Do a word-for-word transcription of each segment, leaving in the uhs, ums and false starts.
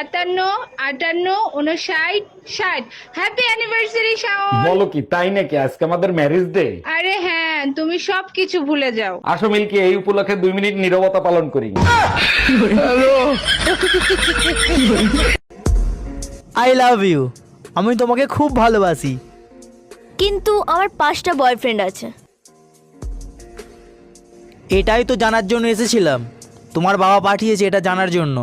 সাতান্ন, আটান্ন, উনষাট, ষাট। Happy anniversary Shaon. বলো কি, তাই নাকি? আজকে আমাদের ম্যারেজ ডে। আরে হ্যাঁ, তুমি সবকিছু ভুলে যাও। আসো মিল্কি, এই উপলক্ষে দুই মিনিট নীরবতা পালন করি। I love you. আমি তোমাকে খুব ভালোবাসি। কিন্তু আমার পাঁচটা বয়ফ্রেন্ড আছে। এটাই তো জানার জন্য এসেছিলাম। তোমার বাবা পাঠিয়েছে এটা জানার জন্য।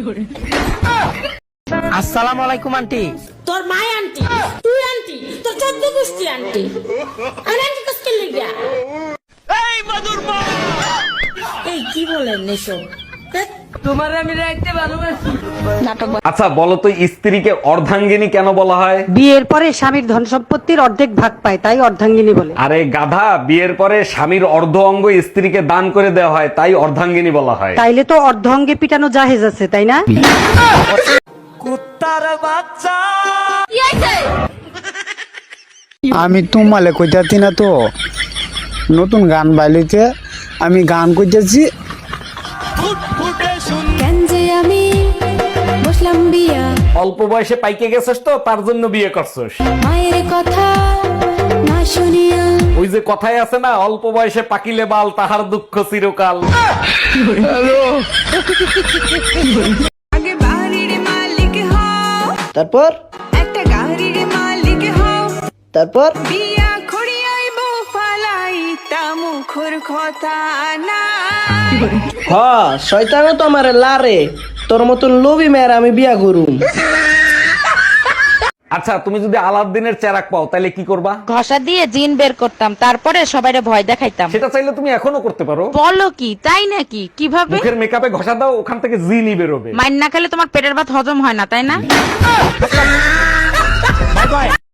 আসসালামু আলাইকুম আন্টি। তোর মাই আন্টি, তুই আন্টি, তোর চোদ্দ গোষ্ঠী আন্টি। আর আন্টি কষ্ট লেগে এই মধুর মা, এই কি বলেন এসব? তোমার আমি রাখতে ভালোবাসি। নাটক। আচ্ছা বলো তো, স্ত্রীকে অর্ধাঙ্গিনী কেন বলা হয়? বিয়ের পরে স্বামীর ধন সম্পত্তির অর্ধেক ভাগ পায়, তাই অর্ধাঙ্গিনী বলে। আরে গাধা, বিয়ের পরে স্বামীর অর্ধ অঙ্গ স্ত্রীকে দান করে দেওয়া হয়, তাই অর্ধাঙ্গিনী বলা হয়। তাইলে তো অর্ধ অঙ্গে পিটানো জাহেজ আছে, তাই না? কুত্তার বাচ্চা। আমি তোমালে কইতাছি না তো, নতুন গান বাইলিতে আমি গান কইতেছি। কেন যে আমি বসলাম বিয়া, অল্প বয়সে পাইকে গেছিস তো, তার জন্য বিয়ে করছিস। মায়ের কথা না শুনিয়া। ওই যে কথায় আছে না, অল্প বয়সে পাকিলে বাল, তাহার দুঃখ চিরকাল। আগে বাড়ির মালিক হও, তারপর একটা গাড়ির মালিক হও, তারপর বিয়া করিয়াই বউ ফালাই তা মুখর কথা না। হ শয়তানও তো আমার লারে, তোর মতন লোভী মেয়ের আমি বিয়া করুম। আচ্ছা, তুমি যদি আলাদিনের চেরাক পাও তাহলে কি করবা? ঘষা দিয়ে জিন বের করতাম, তারপরে সবাইরে ভয় দেখাইতাম। সেটা চাইলে তুমি এখনো করতে পারো। বলো কি, তাই নাকি? কিভাবে? মুখের মেকআপে ঘষা দাও, ওখান থেকে জিনই বেরোবে। মাইন না খেলে তোমার পেটের ভাত হজম হয় না, তাই না?